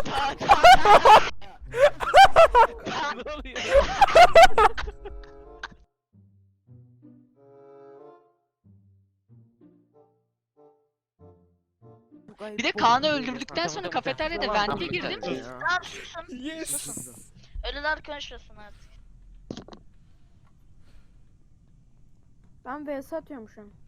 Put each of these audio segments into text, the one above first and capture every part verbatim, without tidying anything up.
Tamam tamam. Ne oluyor? Bir de Kaan'ı öldürdükten sonra kafeteryada vente girdim. Tamam susun. Yes. Ölüler konuşmasın artık. Ben V S atıyorum şu an.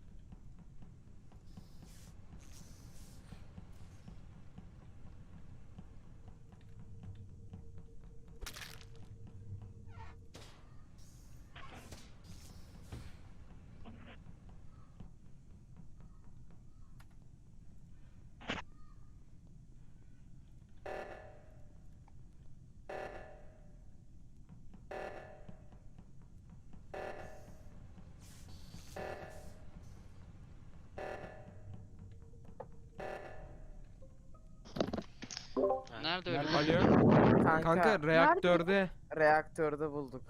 Nerede öyle? Alo. Kanka, Kanka reaktörde. reaktörde bulduk.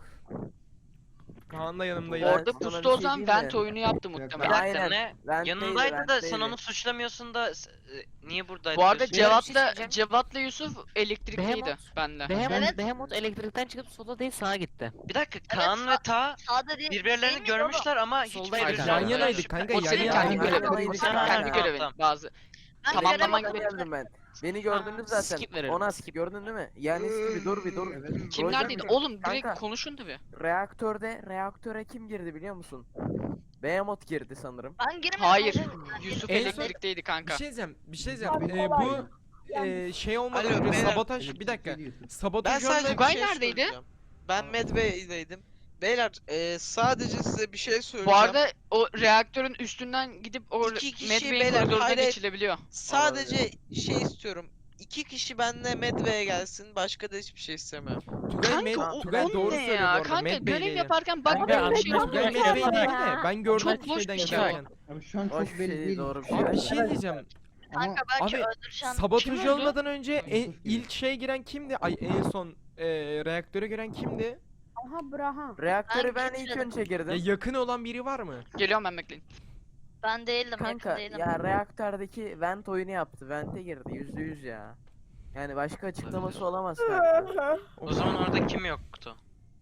Kaan da yanımdaydı. Ben Orada sana pustu bir o şey zaman diyeyim mi? vent oyunu yaptı Bir muhtemelen. dakika Aynen. ne? Vent'teydi, Yanındaydı da sen vent'teydi. onu suçlamıyorsun da s- e, niye buradaydı? Bu arada diyorsun? Cevap- şey Cevat'la söyleyeceğim. Cevat'la Yusuf elektrikteydi Behemoth. bende. Behemoth, Evet. Behemoth elektrikten çıkıp sola değil sağa gitti. Bir dakika Kaan sağ- ve Ta Sağda değil. birbirlerini değil miydi oğlum? görmüşler ama hiç Soldaydı birbirlerinden kanka. Yan yanaydık şüphe- kanka, O yan senin yana- kendi yan görevin. yanaydık O senin kanka. kendi Tamam, görevin. tamam. Bazı. Ben Tamamlaman göremedim. gibi. Geldim ben. Beni gördünüz Aa, zaten. skip verelim, Ona skip. skip gördün değil mi? Yani bir dur bir dur. Kim Roger- neredeydi? Oğlum direkt Kanka. konuşun tabi. Reaktörde reaktöre kim girdi biliyor musun? Behemoth girdi sanırım. Ben girmedim. Hayır. hocam. Ben Yusuf En son- elektrikteydi Bir kanka. şey diyeceğim. Bir şey diyeceğim. Ee, bu e, şey olmadan Alo, önce beyler. sabotaj bir dakika. Ben Sabotaj sadece olmadan bir Tugay şey neredeydi? söyleyeceğim. Ben Medway'deydim. Beyler e, sadece size bir şey Bu söyleyeceğim. arada o reaktörün üstünden gidip o İki kişi Medway'in beyler, koridoruna hayır, geçilebiliyor. Sadece şey istiyorum. İki kişi benimle Medway'e gelsin. Başka da hiçbir şey istemiyorum. Tugay, Kanka Med, o, Tugay o doğru ne söylüyor bu ya? arada. Kanka Med görev Bey'deydi. yaparken Kanka, bakmadığım bir ben- şey ben- yok. Tugay ben- Med Bey'deydi de ben gördüm Çok boş şeyden bir şey. geçerken. Abi şu an Boş çok bir belli şey değil. doğru bir şey. Abi bir şey diyeceğim. Kanka belki Abi, öldüreceğim. Sabotaj Kim öldü? olmadan önce en, ilk şeye giren kimdi? Ay en son e, reaktöre giren kimdi? Aha Braham. Reaktöre Ben ben ilk girmedim. önce Ya girdim. yakın olan biri var mı? Geliyorum ben bekleyin. Ben değildim. Kanka yakın değilim. ya reaktördeki vent oyunu yaptı. Vent'e girdi yüzde yüz ya. Yani başka açıklaması olamaz kanka. O zaman orada kim yoktu?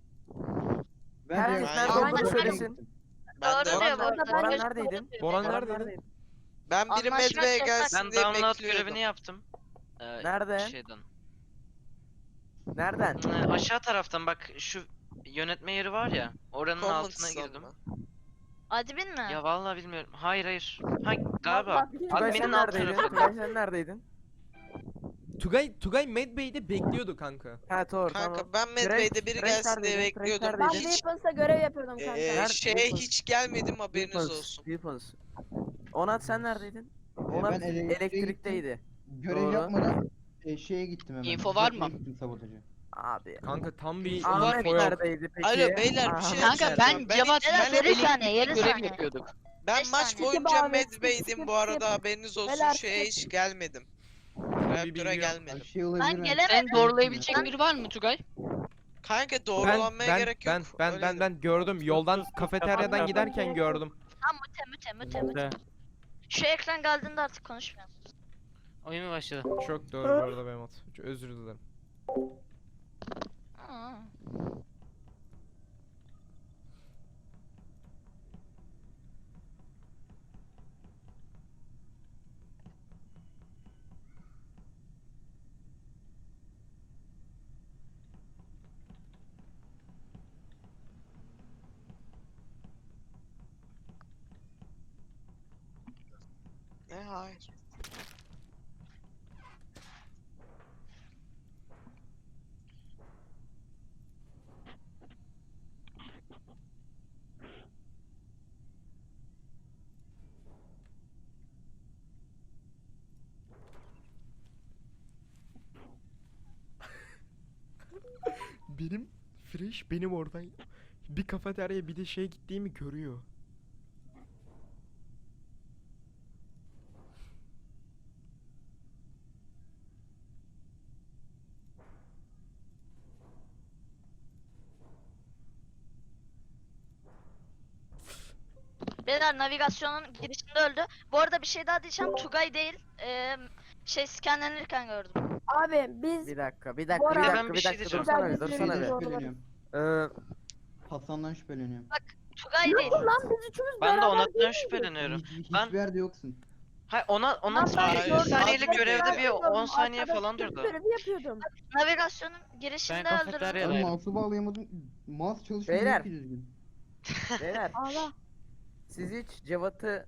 Herkes Ben- nerede Aynen, olduğunu aynen. söylesin. Ben Doğru de diyor bu Boran, arada. Boran Ben neredeydin? Boran Boran neredeydin? ben biri Anlaşmak Medway'e yasak. gelsin Ben diye download bekliyordum. görevini yaptım. Ee, Nerede? Şeyden. Nereden? Ee, aşağı taraftan bak şu yönetme yeri var ya. Oranın altına Comments'tan girdim. mı? Admin mi? Ya vallahi bilmiyorum. Hayır hayır. Ha galiba. Tugay Admin'in sen alt neredeydin? tarafı. Tugay sen neredeydin? Tugay Tugay Med Bey'de bekliyordu kanka. Ha doğru Kanka tamam. ben Medway'de biri Frank gelsin diye neredeydin? Frank bekliyordum. Ben neredeydin? Hiç Weapons'a görev yapıyordum kanka. e, Nerede? şeye Weapons. hiç gelmedim haberiniz Weapons, olsun. Weapons. Onat sen neredeydin? Onat ben elektriğe elektrikteydi. Görev Doğru. yapmadan e, şeye gittim hemen. Info var mı? Gittim sabotaja. Abi. Kanka tam bir Ahmet info yok. neredeydi peki? Alo, beyler, bir şey Aha. Kanka yapacağım. ben Ben- Cevat'la ben- yarı saniye, yarı görev saniye. yapıyorduk. Ben Beş maç saniye. boyunca Skip abi, skip, Medway'dim skip, bu arada, skip. haberiniz olsun. Beyler, Şeye skip. hiç gelmedim. bilgi Reaktöre yok. gelmedim. Abi şey olabilir Ben mi? gelemedim. Sen doğrulayabilecek biri var mı Tugay? Kanka Ben doğrulanmaya ben gerek yok. ben ben öyle ben de. ben gördüm. Yoldan kafeteryadan giderken gördüm. Tamam müte müte müte müte. Şu ekran geldiğinde artık konuşmuyorum. Oyun mu başladı? Çok doğru bu arada Mehmet. Çok özür dilerim. Aa. Ne hayır. Benim Fresh benim oradan bir kafeteryaya bir de şeye gittiğimi görüyor. Beyler navigasyonun girişinde öldü. Bu arada bir şey daha diyeceğim. Tugay değil. Ee, şey scanlenirken gördüm. Abi biz Bir dakika, bir dakika, bir Bora- dakika, Ben bir bir şey dakika, diyeceğim. dursana Ben bir, bir dursana şey bir. diyeceğim. Şüpheleniyorum. Ee, Hasan'dan şüpheleniyorum. Tugay değil. lan biz üçümüz Ben de beraber Onat'tan değil şüpheleniyorum. Hiç, hiç, Ben- hiçbir yerde yoksun. Hayır ona ona Lan ben Hayır, iki gördüm, saniyelik arkadaşlar görevde bir yapıyordum, on saniye falan arkadaşlar durdu. görevi yapıyordum. Navigasyonun girişinde Ben öldürdüm. kafeterya- Ben Evet. mouse'u bağlayamadım. Mouse çalışmıyor Beyler. ki düzgün. beyler, Allah. siz hiç Cevat'ı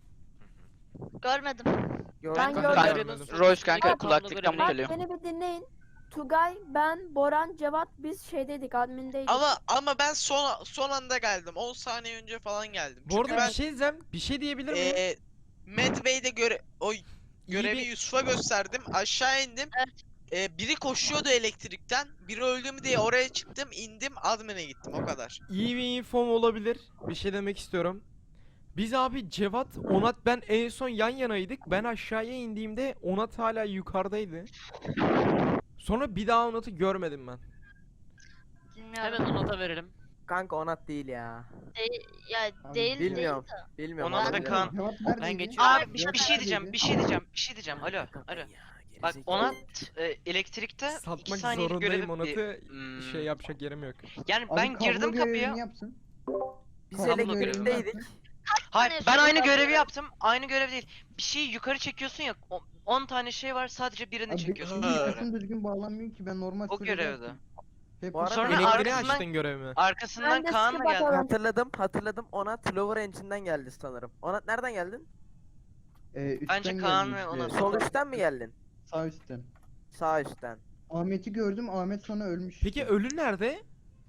Görmedim. gördünüz Ben mü? gördüm. Kafeteryanın Rolls solundaki kanka, kablo kulaklıktan görevine- mutluyum. Beni bir dinleyin. Tugay, ben, Boran, Cevat biz şeydeydik, admindeydik. Ama ama ben son son anda geldim. on saniye önce falan geldim. Bu Çünkü arada ben bir şey diyeceğim. Bir şey diyebilir miyim? eee Medway'de göre o görevi bir- Yusuf'a gösterdim. Aşağı indim. Eee, biri koşuyordu elektrikten. Biri öldü mü diye oraya çıktım, indim, admin'e gittim o kadar. İyi bir infom olabilir. Bir şey demek istiyorum. Biz abi Cevat, Onat ben en son yan yanaydık. Ben aşağıya indiğimde Onat hala yukarıdaydı. Sonra bir daha Onat'ı görmedim ben. Bilmiyorum. Hemen Onat'a verelim. Kanka Onat değil ya. Değil, ya Abi, değil Bilmiyorum. değil de. Bilmiyorum. Onat ama da bilmiyorum. Kaan. Cevap neredeydi? geçiyorum. Abi bir, Cevap bir şey diyeceğim, neredeydi? bir şey diyeceğim, bir şey diyeceğim. Alo, alo. Bak Onat e, elektrikte iki Satmak saniyelik zorundayım görevi Onat'ı. Hmm. Şey yapacak yerim yok. Yani Abi ben kablo girdim kapıya. görevini yapsın. Biz Kablo görevini elektrikteydik. Hayır tane ben şey aynı var görevi böyle? yaptım. Aynı görev değil. Bir şeyi yukarı çekiyorsun ya. on tane şey var sadece birini Abi çekiyorsun. benim Ha. mikrofonum düzgün bağlanmıyor ki ben normal O sürede görevde. yaptım. Hep Bu arada Sonra Elektriği arkasından- açtın görevimi. Arkasından Ben de Kaan skip mı geldi? atalım. Hatırladım, hatırladım. Onat Lower Engine'den geldi sanırım. Onat nereden geldin? e, üstten Bence Kaan geldim ve işte. Onat. Sol üstten mi geldin? Sağ üstten. Sağ üstten. Ahmet'i gördüm. Ahmet sonra ölmüş. Peki işte. ölü nerede?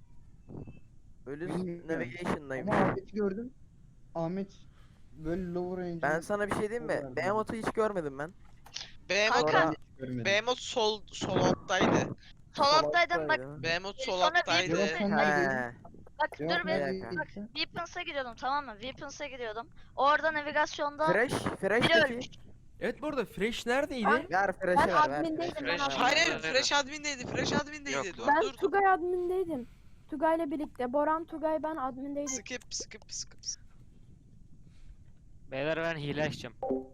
Ölü Bilmiyorum. Navigation'dayım. Ama Ahmet'i gördüm. Ahmet böyle lower range. Ben sana bir şey diyeyim mi? Oralarda. Behemoth'u hiç görmedim ben. Behemoth, Sonra- görmedim. Behemoth sol sol alttaydı. Sol alttaydım bak. alttaydı. Behemoth sol Sonra alttaydı. bir- Cevap sen neredeydin? He. Bak Cevap dur bir. neredeydin Bak. sen? Weapons'a gidiyordum tamam mı? Weapons'a gidiyordum. Orada navigasyonda Fresh, Fresh biri peki. ölmüş. Evet bu arada Fresh neredeydi? Ben- Ver Fresh'i Ben ver, ver. admindeydim, ben Fresh- admindeydim. Hayır hayır, Evet. Fresh admin'deydi. Fresh admin'deydi. Yok Dur Ben dur dur. Tugay admindeydim. Tugay'la birlikte. Boran, Tugay, ben admindeydik. Skip skip skip. skip. Beyler ben hile açacağım.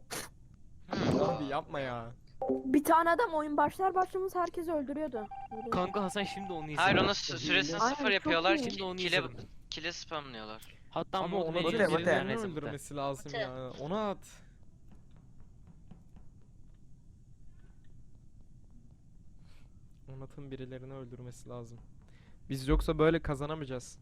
Abi yapma ya. Bir tane adam oyun başlar başlamaz herkesi öldürüyordu. Kanka Hasan şimdi onu izle. Hayır ona s- süresini Aynen, sıfır çok yapıyorlar. iyi. Şimdi onu Kile, izledim. kile spamlıyorlar. Hatta Ama mod Onat'ın veriyor, Mute, mute. birilerini neyse, mute. öldürmesi lazım Mute. ya. Onat. Onat'ın birilerini öldürmesi lazım. Biz yoksa böyle kazanamayacağız.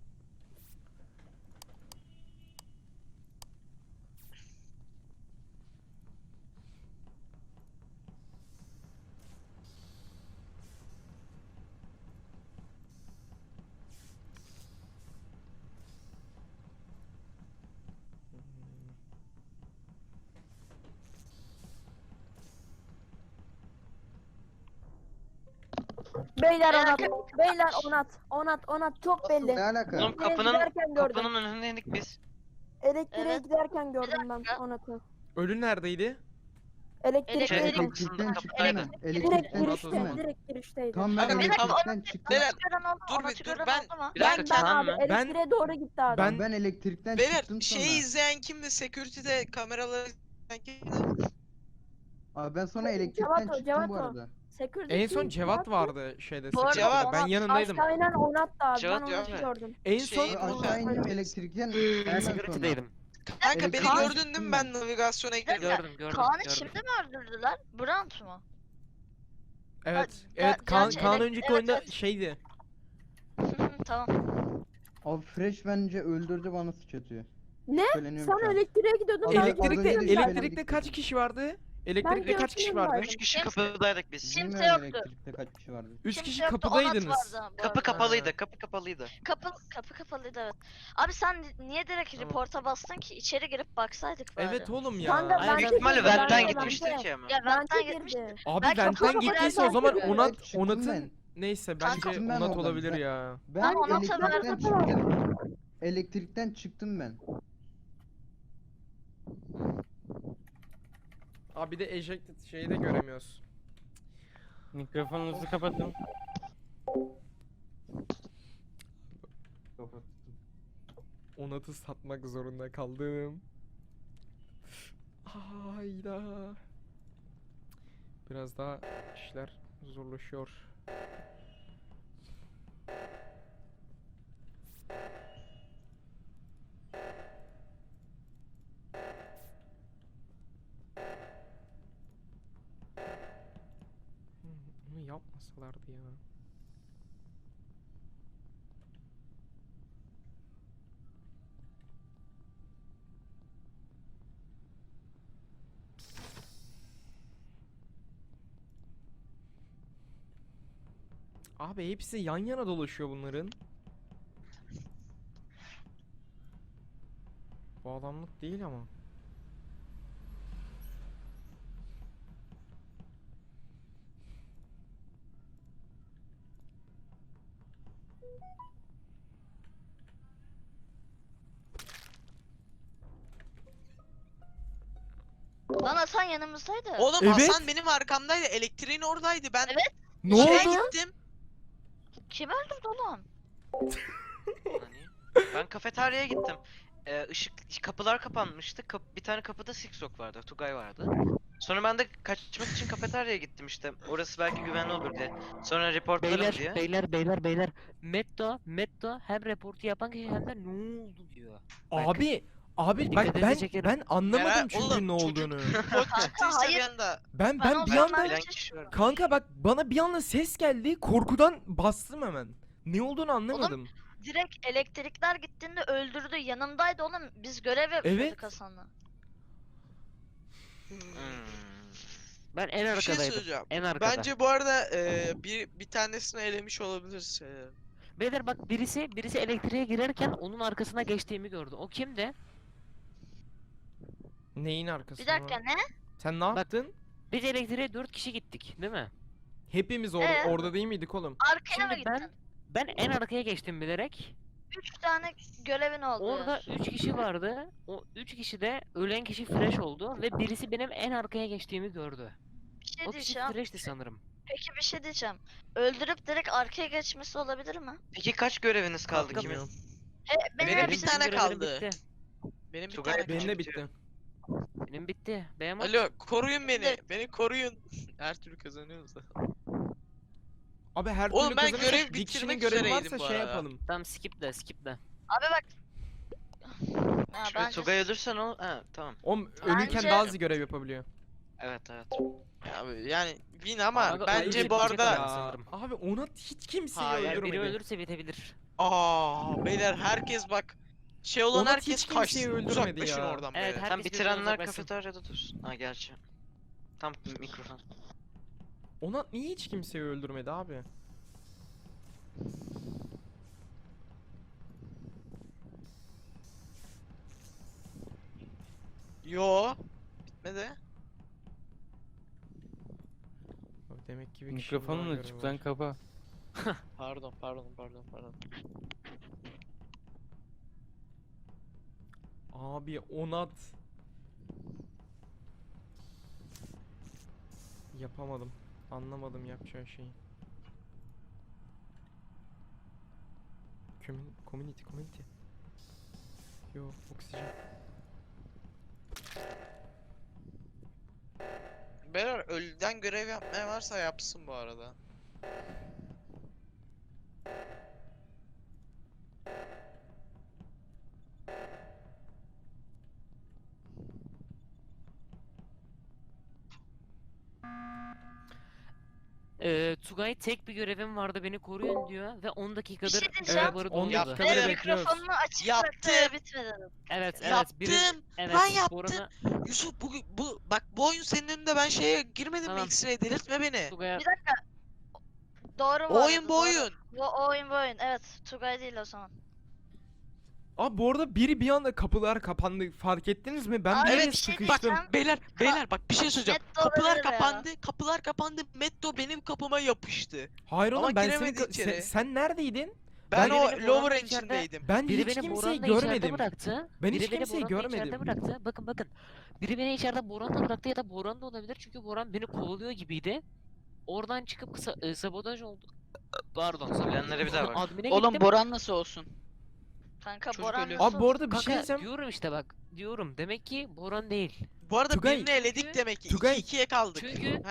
Beyler Onat. Beyler Onat. Onat, Onat çok Nasıl, belli. ne alaka? Oğlum Elektriğe kapının giderken gördüm. kapının önündeydik biz. Elektriğe Evet. giderken gördüm ben dakika. Onat'ı. Ölü neredeydi? Elektriğe Şey, giderken. Elektrikten çıktım kapıdaydı. ben. Direkt Elektrikten Onat o girişte, zaman. çıktım ben. direkt girişteydi. Tam ben Kanka, bir dakika, elektrikten çıktım. Beyler, Onat'ı gören oldu, dur bir- Onat'ı dur, gören ben- oldu mu? Bir Ben, dakika ben Kaan abi mı? elektriğe doğru gitti adam. Ben- Ben elektrikten Beyler çıktım sonra. şeyi izleyen kimdi? Security'de kameraları izleyen kimdi? Abi ben sonra Cevat elektrikten o, çıktım Cevat bu o. arada. Security En son değil, Cevat vardı şeyde. Bu arada security'de. Cevat- Ben yanındaydım. Aşağıyla Onat da abi. Cevat ben yok Onat'ı mu? gördüm. En son Şey- Aşağı indim elektrikten. Ben hemen sonra. security'deydim. Kanka beni Elektrikten gördün değil çıktım mi? ben. Ben navigasyona girdim. Gördüm gördüm. Kaan'ı gördüm. şimdi mi öldürdüler? Brant mu? evet. Ger- Evet Kaan, gerçi Kaan elek- önceki evet, oyunda evet. şeydi. Tamam. Abi Fresh bence öldürdü bana sıçratıyor. Ne? Şüpheleniyorum Sen şu an. elektriğe gidiyordun. Abi, ben az Elektrikte önce de gördüm. şüpheli- elektrikte kaç kişi vardı? Elektrikte Ben kaç kişi gördüm vardı? ben. Üç kişi Kimse- kapıdaydık biz. Kimse Bilmiyorum yoktu. elektrikte kaç kişi vardı. Üç Kimse kişi yoktu, kapıdaydınız. Onat vardı bu Kapı arada. kapalıydı, kapı kapalıydı. Kapı, kapı kapalıydı evet. Abi sen niye direkt Tamam. report'a bastın ki? İçeri girip baksaydık bari. Evet oğlum ya. Kanka, Aynen. ben Büyük de ihtimalle girdim, ben Vent'ten de- gitmiştir ben de- ki ama. Ya Ben Vent'ten de gitmişti. girdi. Abi Belki Vent'ten kapı gittiyse o kapıdan zaman girdi. Onat Evet, çıktım Onat'ın ben. neyse Ben bence çıktım ben Onat oradan. olabilir Ben- ya. Ben Ben Onat'a elektrikten verdim. çıktım. Elektrikten çıktım ben. Abi bir de ejected şeyi de göremiyoruz. Mikrofonunuzu kapatın. Onat'ı satmak zorunda kaldım. Hayda. Biraz daha işler Zorlaşıyor. Hmm, Bunu yapmasalardı ya. Abi hepsi yan yana dolaşıyor bunların. Bu adamlık değil ama. Lan Hasan yanımızdaydı. Oğlum Evet. Hasan benim arkamdaydı. Elektriğin oradaydı. Ben Evet. Ne şeye oldu? gittim. Kim öldürdü oğlum? Hani? Ben kafeteryaya gittim. Ee, ışık kapılar kapanmıştı. Kap- bir tane kapıda Siksok vardı, Tugay vardı. Sonra ben de kaçmak için kafeteryaya gittim işte. Orası belki güvenli olur diye. Sonra reportlarım Beyler, diye. beyler, beyler, beyler. Metto, Metto hem reportu yapan kişi hem de ne oldu diyor. Bak, Abi, abi bak Dikkatinizi ben çekerim. ben anlamadım Meral- çünkü oğlum, ne çocuk- olduğunu. Kod çıktıysa hayır. bir anda. Ben Ben ben o bir zaman anda ben- Bilen kişi var. kanka bak bana bir anda ses geldi. Korkudan bastım hemen. Ne olduğunu anlamadım. Direkt elektrikler gittiğinde öldürdü. Yanımdaydı oğlum. Biz görev yapıyorduk Evet. Hasan'la. Hmm. Ben en Bir şey arkadaydım. söyleyeceğim. En arkada. Bence bu arada e, bir bir tanesini elemiş olabiliriz. E, Beyler bak birisi birisi elektriğe girerken onun arkasına geçtiğimi gördü. O kimdi? Neyin arkasında? Bir dakika ne? Sen ne Bak- yaptın? Biz elektriğe dört kişi gittik, değil mi? Hepimiz or- Ee? orada değil miydik oğlum? Arkaya mı Şimdi ben gittin? ben en arkaya geçtim bilerek. Üç tane görevin oldu. Orada üç kişi vardı. O üç kişi de ölen kişi fresh oldu ve birisi benim en arkaya geçtiğimi gördü. Bir şey O kişi diyeceğim. fresh'ti sanırım. Peki bir şey diyeceğim. Öldürüp direkt arkaya geçmesi olabilir mi? Peki kaç göreviniz kaldı Kanka, kimin? Bilmiyorum. E, benim, Benim bir hepsi- tane görevlerim kaldı. bitti. benim bir Tugay tane benim Benim de bitiyor. bitti. Benim bitti. Beğenmem. Alo, koruyun beni. Evet. Beni koruyun. Her türlü kazanıyoruz da. Abi her Oğlum türlü ben kazanırsak görev bir kişinin bitirmek görevi üzereydim varsa bu şey arada. yapalım. Tamam skip de skip de. Abi bak. Ha, Şimdi bence Tugay ölürsen o... Ha tamam. Oğlum ölürken Bence- daha az görev yapabiliyor. Evet evet. Abi yani win ama Kanka, bence öyle bu bitecek arada ama. Ya, sanırım. abi ona hiç kimseyi Hayır, Eğer biri öldürmedi. ölürse bitebilir. aa beyler herkes bak şey olan Onat herkes hiç kimseyi kaçsın. öldürmedi Uzaklaşın ya. oradan Evet, beyler. her- Tam Herkes bitirenler birbirinden uzaklaşsın. kafeteryada dursun. Ha gerçi. Tam mikrofon. Ona niye hiç kimseyi öldürmedi abi? Yo. Bitmedi. Abi demek ki bir kişinin daha Mikrofonun görevi açık lan var. kapa. Pardon pardon pardon pardon. Abi Onat. Yapamadım. Anlamadım yapacağı şeyi. Commun community community. Yo oksijen. Beyler ölüden görev yapmaya varsa yapsın bu arada. Ee, Tugay tek bir görevim vardı beni koruyun diyor ve on dakikadır şey diyeceğim. server'ı Evet, on doluyordu. dakika- Beyler, Benim bekliyoruz. mikrofonunu açık Yaptım. bıraktı bitmedi. Evet, evet. Yaptım. Biri, evet, Ben yaptım. Boran'a- Yusuf bu, bu bak bu oyun senin önünde ben şeye girmedim Tamam. mi X-Ray'e delirtme beni. Tugay'a Bir dakika. Doğru bu O arada, oyun bu doğru. oyun. Bu o oyun bu oyun. Evet. Tugay değil o zaman. Abi bu arada biri bir anda kapılar kapandı. Fark ettiniz mi? Ben Abi, bir yere bir şey sıkıştım. diyeceğim. Beyler beyler bak bir şey söyleyeceğim. Netto Kapılar olabilir ya. kapandı. Kapılar kapandı. Metto benim kapıma yapıştı. Hayır Ama oğlum ben senin giremedi ka- sen, içeri. sen neredeydin? Ben, Biri o beni lower Boran'ın içeride- engine'deydim. Ben Biri hiç beni kimseyi Boran'la içeride görmedim. bıraktı. Ben Biri hiç beni kimseyi Boran'la görmedim. içeride bıraktı. Bakın bakın. Biri beni içeride Boran'la bıraktı ya da Boran da olabilir çünkü Boran beni kovalıyor gibiydi. Oradan çıkıp kısa, e, sabotaj oldu. Pardon, sabotaj Bilenlere bir daha bak. Admin'e Oğlum gittim. Boran nasıl olsun? Kanka Çocuk Boran ölüyor. nasıl Abi bu arada bir Kanka şey diyeceğim. diyorum işte bak. Diyorum. Demek ki Boran değil. Bu arada Tugay- birini eledik Çünkü- demek ki. Tugay- iki ikiye kaldık. Çünkü- Heh.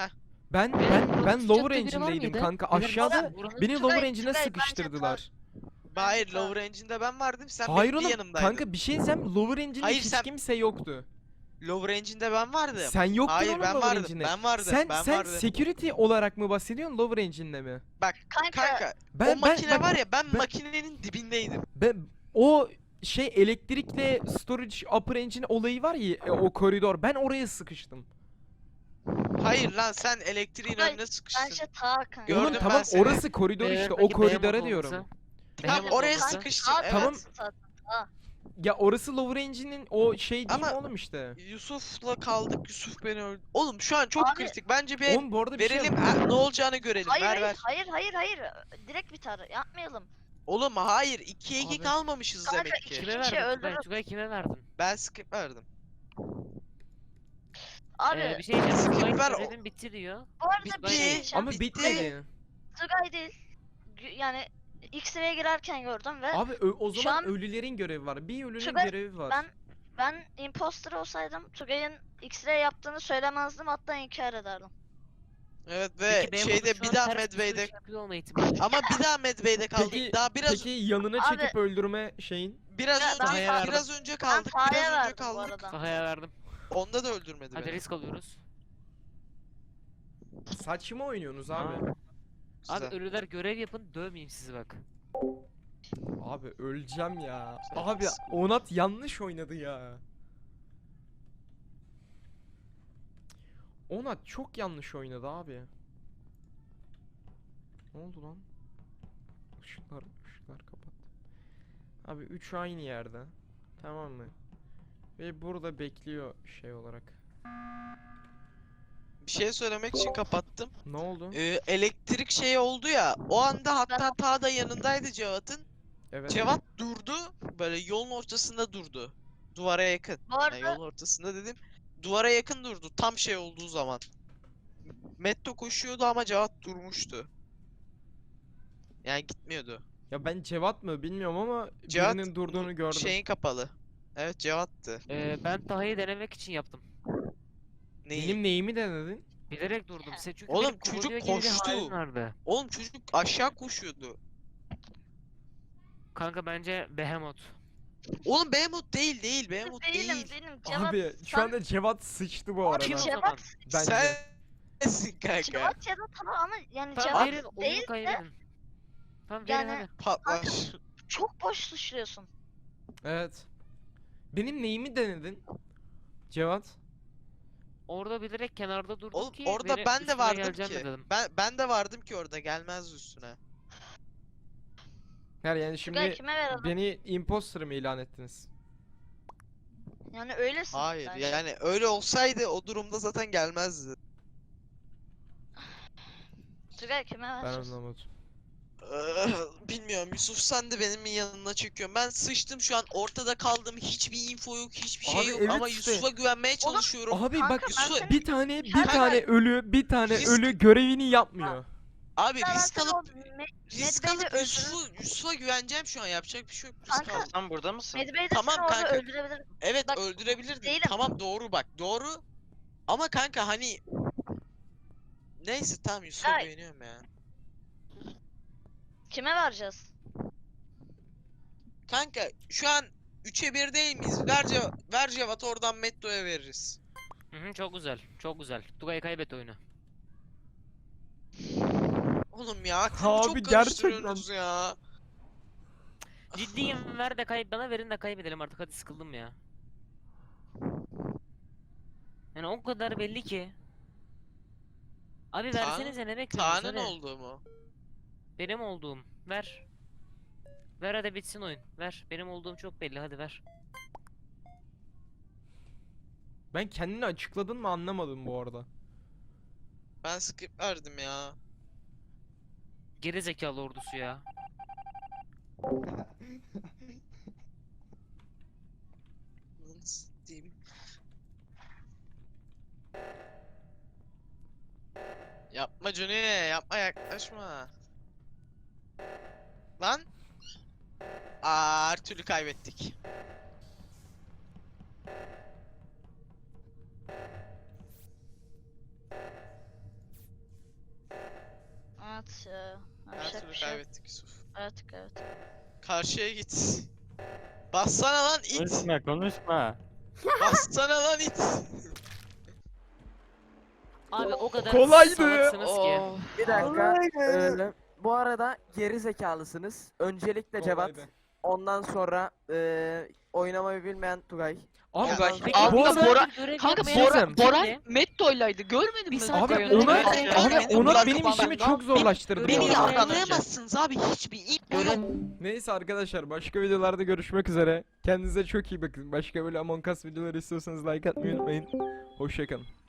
Ben Beyler, ben Boran'ın ben sıkıştığı lower biri var engine'deydim mıydı? kanka. Beyler, Aşağıda Boran'ın beni sıkıştığı- lower Tugay- engine'e Tugay, bence sıkıştırdılar. Hayır Tamam. lower engine'de ben vardım sen Hayır benim bir oğlum yanımdaydın. kanka bir şey diyeceğim. Lower engine'de Hayır, hiç sen- kimse yoktu. Lower engine'de ben vardım. Sen yoktun Hayır oğlum ben lower vardım. engine'de. Ben vardım. Sen ben sen vardım. security olarak mı bahsediyorsun lower engine'de mi? Bak Kanka, kanka Ben o ben makine bak, var ya ben, ben- makinenin dibindeydim. ben o şey elektrikle storage upper engine olayı var ya e, o koridor. Ben oraya sıkıştım. Hayır lan sen elektriğin Tugay, önüne sıkıştın. bence ta kanka. Gördüm Oğlum ben tamam seni. orası koridor Eğer işte o peki koridora Behemoth diyorum. olsa- Tamam Behemoth oraya olsa- sıkıştın Ta evet. Tamam. zaten, ta. Ya orası lower engine'in o şey değil mi Ama- oğlum işte. Yusuf'la kaldık. Yusuf beni öldü. Oğlum şu an çok Abi- kritik. Bence bir Oğlum bu arada bir şey verelim ha, ne olacağını görelim. Hayır, ver hayır, ver. hayır, hayır, hayır. Direkt biter. Yapmayalım. Oğlum hayır ikiye iki Abi. kalmamışız Kanka, demek iki- ki. Kime kişi verdin Tugay? öldürür. Tugay kime verdin? Ben skip verdim. Abi, Ee, bir şey diyeceğim. Skip Tugay ver, görevin bitti diyor. bu arada bitti. bir şey diyeceğim. Ama bitti. bitmedi. Tugay değil. Gü- Yani X-ray'e girerken gördüm ve Abi ö- o Şu zaman an- ölülerin görevi var. Bir ölünün Tugay, görevi var. ben ben imposter olsaydım Tugay'ın X-ray yaptığını söylemezdim, hatta inkar ederdim. Evet ve Peki Behemoth'un şeyde şu bir an daha ters bir Medbay'de sürüş yapıyor olma ihtimali. ama bir daha Medbay'de kaldık. Peki daha biraz peki yanına Abi- çekip öldürme şeyin. biraz Ya ben önce Taha'ya biraz önce Ben kaldık. Taha'ya Biraz önce verdim bu kaldık. arada. Taha'ya verdim. Onda da öldürmedi Hadi beni. risk alıyoruz. Saçma oynuyorsunuz abi. Aa. Abi Güzel. ölüler görev yapın dövmeyeyim sizi bak. Abi öleceğim ya. Güzel. Abi Onat yanlış oynadı ya. Onat çok yanlış oynadı abi. Ne oldu lan? Işıklar, ışıklar kapat. Abi üç aynı yerde. Tamam mı? Ve burada bekliyor şey olarak. Bir şey söylemek için kapattım. Ne oldu? Ee, elektrik şeyi oldu ya. O anda hatta ta da yanındaydı Cevat'ın. Evet. Cevat durdu. Böyle yolun ortasında durdu. Duvara yakın. Bu Yani arada yolun ortasında dedim. Duvara yakın durdu. Tam şey olduğu zaman. Metto koşuyordu ama Cevat durmuştu. Yani gitmiyordu. Ya ben Cevat mı bilmiyorum ama Cevat birinin durduğunu bu gördüm. Şeyin kapalı. Evet Cevat'tı. Ee, ben Taha'yı denemek için yaptım. Neyi? Benim neyimi denedin? Bilerek durdum. Se çünkü Oğlum, benim çocuk kovalıyor gibi bir koştu. halim vardı. Oğlum çocuk aşağı koşuyordu. Kanka bence Behemoth. Oğlum Behemoth değil değil. Behemoth değilim, değil. değilim. Cevat, Abi şu sen- anda Cevat sıçtı bu Abi Kim o arada. Cevat- zaman? Bence. Sensin kanka. Cevat ya da tamam ama yani Tamam Cevat verin oyunu değil de kaybedin. Tamam verin Yani- hadi. Patlar. çok boş suçluyorsun. Evet. Benim neyimi denedin? Cevat. Orada bilerek kenarda durdum Oğlum ki orada beni ben de üstüne vardım geleceğim ki. de dedim. Ben ben de vardım ki orada gelmez üstüne. Her yani Tugay şimdi kime verelim? beni imposter mı ilan ettiniz? Yani öylesin. Hayır bence. yani öyle olsaydı o durumda zaten gelmezdi. Tugay kime Ben vereceğiz? anlamadım. Ee, Bilmiyorum Yusuf sen de benim yanına çekiyorsun. Ben sıçtım şu an ortada kaldım. Hiçbir info yok, hiçbir şey Abi yok evet ama işte. Yusuf'a güvenmeye çalışıyorum. Abi Kanka, bak ben Yusuf- seni- bir tane bir Kanka- tane ölü bir tane Risk- ölü görevini yapmıyor. Abi Ben risk seni o alıp Me- risk Medbay'de alıp öldürür- Yusuf'u Yusuf'a güveneceğim şu an yapacak bir şey yok. Risk Kanka- aldım. Sen burada mısın? Medbay'de Tamam seni orada kanka. öldürebilirim. Evet Bak, öldürebilirdin. değilim. Tamam doğru bak doğru. Ama kanka hani neyse tamam Yusuf'a Ay. güveniyorum ya. Kime vereceğiz? Kanka şu an üçe bir değil miyiz? Ver, Cev ver Cevat oradan Metto'ya veririz. Hı hı, çok güzel. Çok güzel. Tugay kaybet oyunu. Oğlum ya aklımı Abi çok gerçekten. karıştırıyorsunuz ya. Ciddiyim ver de kayıp bana verin de kaybedelim artık hadi sıkıldım ya. Yani o kadar belli ki. Abi Ta- versenize ne bekliyorsunuz Ta'nın hadi. olduğu mu? Benim olduğum. Ver. Ver hadi bitsin oyun. Ver. Benim olduğum çok belli hadi ver. Ben kendini açıkladın mı anlamadım bu arada. Ben skip verdim ya. Geri zekalı ordusu ya. Nasıl diyeyim? Yapma Johnny, yapma yaklaşma. Lan. Aa, her türlü kaybettik. kaybettik Yusuf. Evet evet. Karşıya git. Bassana lan it. Konuşma konuşma. Bassana lan it. Abi o kadar Kolaydı. salaksınız ki. Oh. Bir dakika. Ee, bu arada geri zekalısınız. Öncelikle Cevat. Kolaydı. Ondan sonra ee, oynamayı bilmeyen Tugay. Abi Ya bak ben- Peki, Abi bu bir arada Bora- görev Kanka yapmayan Bora, kim Boran kimdi? Metto'ylaydı görmedin Bir mi? saniye, abi Abi, ona evet, abi evet. ona Bırak benim bana. işimi çok zorlaştırdı. Beni bu Beni arada. yargılayamazsınız abi hiçbir ip Görev Neyse arkadaşlar başka videolarda görüşmek üzere. Kendinize çok iyi bakın. Başka böyle Among Us videoları istiyorsanız like atmayı unutmayın. Hoşçakalın.